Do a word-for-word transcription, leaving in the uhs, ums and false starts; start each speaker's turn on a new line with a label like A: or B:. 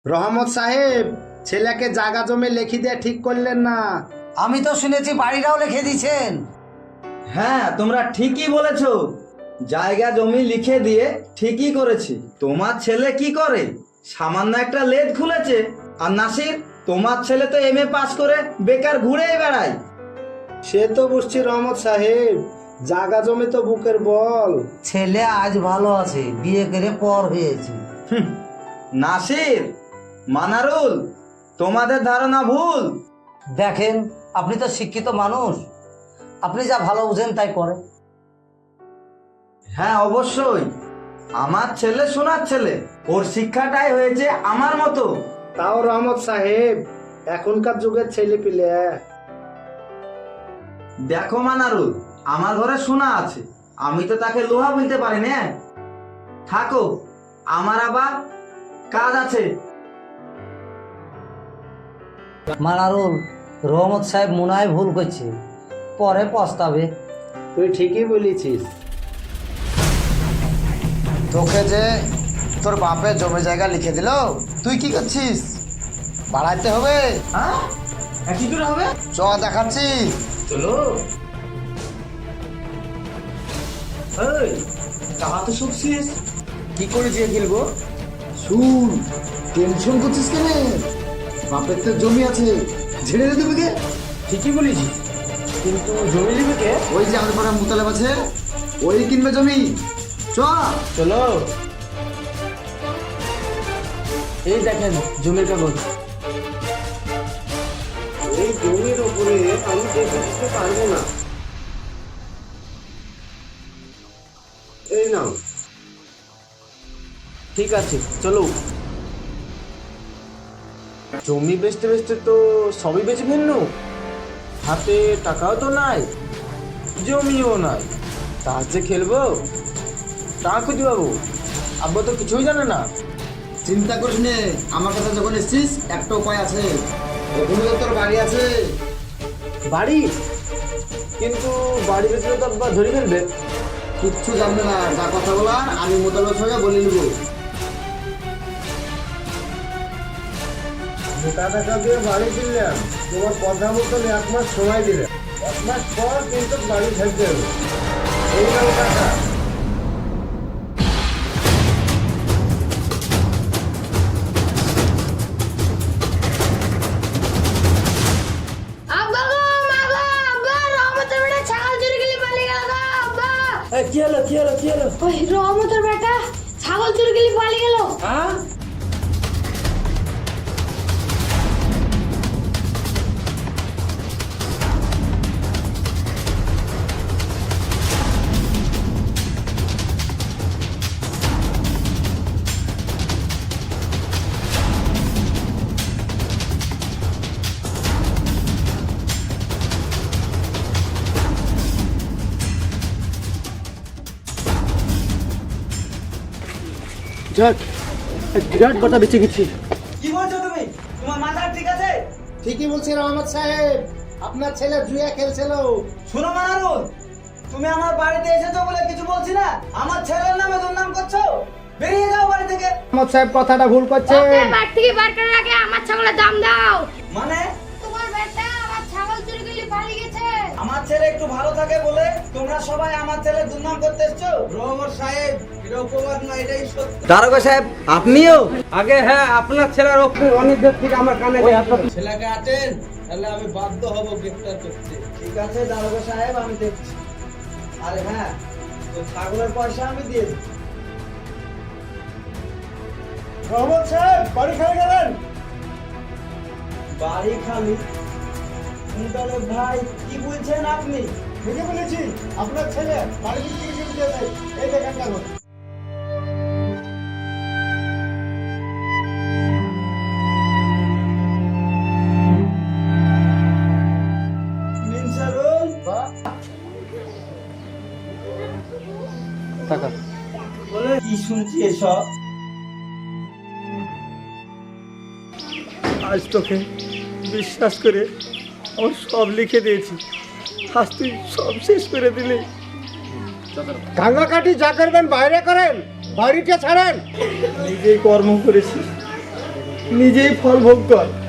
A: রহমত সাহেব, ছেলেকে জায়গা জমি লিখে দিয়ে ঠিক করলেন না।
B: আমি তো শুনেছি বাড়িটাও লিখে দিয়েছেন।
C: হ্যাঁ, তোমরা ঠিকই বলেছো, জায়গা জমি লিখে দিয়ে ঠিকই করেছি। তোমার ছেলে কি করে? সামান্য একটা লেদ খুলেছে। আর নাসির, তোমার ছেলে তো এম এ পাস করে বেকার ঘুরেই বেড়ায়।
A: সে তো বুঝছি রহমত সাহেব, জায়গা জমি তো বুকের বল।
B: ছেলে আজ ভালো আছে, বিয়ে করে পর হয়েছে।
C: হুঁ, নাসির, মানারুল, তোমাদের ধারণা ভুল।
B: দেখেন, আপনি তো শিক্ষিত মানুষ, আপনি যা ভালো বুঝেন তাই করেন।
C: হ্যাঁ, অবশ্যই আমার ছেলে সোনার ছেলে, ওর শিক্ষাটাই হয়েছে আমার মতো।
A: তাও রহমত সাহেব, এখনকার যুগের ছেলে পিলে।
C: দেখো মানারুল, আমার ঘরে সোনা আছে, আমি তো তাকে লোহা বলতে পারি না। থাকো, আমার আবার কাজ আছে।
B: মানারুল, রহমত সাহেব মনে হয় ভুল করছে, পরে পস্তাবে।
A: তুই ঠিকই বলেছিস।
D: তোকে যে তোর বাপের জমি জায়গা লিখে দিল, তুই কি করছিস? বাড়াইতে হবে।
C: হ্যাঁ, কি করে হবে?
D: চ দেখাচ্ছি।
C: চলো। এই, টাকা তো শুনছিস?
D: কি করে দিয়ে খেলবো? শুন, টেনশন করছিস কেন? বাপের তো জমি আছে, ঝেড়ে দে তুমি কে?
A: ঠিকই বলেছিস, কিন্তু জমি নিবে কে?
D: ওই যে আমাদের পাড়া মুতালেব আছে, ওই কিনবে জমি। চ।
A: চলো। এই দেখেন জমির কাগজ। এই জমির উপরে আমি দেখে দিতে পারবো না। এই নাও। ঠিক আছে, চলো। জমি বেচতে বেচতে তো সবই বেচে ফেলনু, হাতে টাকাও তো নাই, জমিও নাই, তার যে খেলবো তা খুঁজে পাবো? আব্বা তো কিছুই জানে না।
D: চিন্তা করিস নে, আমার কাছে যখন এসছিস একটা উপায় আছে। ওখানে তো তোর বাড়ি আছে।
A: বাড়ি? কিন্তু বাড়ি বেচলে তো আব্বা ধরে ফেলবে।
D: কিচ্ছু জানবে না, যা কথা বলার আমি মোতালেবের সঙ্গে বলে নিব।
A: মোটা টাকা দিয়ে বাড়ি কিনলাম, তোমার কথা মতন এক মাস সময় দিলে, এক মাস পর কিন্তু বাড়ি থাকতে হবে। এই নাও টাকা।
E: আব্বা গো, মা গো, আব্বা, রহমতের বেটা ছাগল চুরি গেলে পালিয়ে গেল গো, আব্বা।
A: কি হলো কি হলো কি হলো?
E: ওই রহমতের বেটা ছাগল চুরি গেলে পালিয়ে গেল।
A: হ্যাঁ, যাক, এক বিরাট কথা বেঁচে গেছি।
C: কি বলছো তুমি? তোমার মাথা ঠিক আছে?
A: ঠিকই বলছি রহমত সাহেব, আপনার ছেলে জুয়া খেলছিল।
C: শোনো মানারুল, তুমি আমার বাড়িতে এসেছো বলে কিছু বলছি না, আমার ছেলের নামে দুর্নাম করছো। বেরিয়ে যাও বাড়ি থেকে।
A: রহমত সাহেব কথাটা ভুল
E: ওকে
A: করছেন।
E: বাড়ি থেকে বার করার আগে আমার ছাগলের দাম দাও।
C: মানে
E: তোমার বেটা আমার ছাগল চুরি গেলে পালিয়ে গেছে।
C: আমার ছেলে একটু ভালো থাকে বলে তোমরা সবাই আমার ছেলের দুর্নাম করতে এসছো?
A: রহমত সাহেব, এটা অপবাদ না, এটাই সত্য।
C: দারোগা সাহেব, আপনিও?
A: আগে হ্যাঁ, আপনার ছেলের অনেক দিন থেকে আমার কানে ছেলেকে আটেন, তাহলে আমি বাধ্য হব গ্রেফতার করতে।
C: ঠিক আছে দারোগা সাহেব, আমি দেখছি। আরে হ্যাঁ, তো ছাগলের পয়সা আমি দিয়ে দেব।
A: রহমত সাহেব, বাড়ি খালি গেলেন?
C: বাড়ি খালি? মুতালেব ভাই, কি বলছেন আপনি?
A: ঠিকই বলেছি, আপনার ছেলে বাড়ি থেকে চুরি গেছে। এই দেখেন কাগজ।
C: মিনসারুল, বলে কি শুনছি এসব?
F: আজ তোকে বিশ্বাস করে আমার সব লিখে দিয়েছি, আজ তুই সব শেষ করে দিলি।
A: কান্নাকাটি যা করবেন বাইরে করেন, বাড়িটা ছাড়েন।
F: নিজেই কর্ম করেছি, নিজেই ফল ভোগ কর।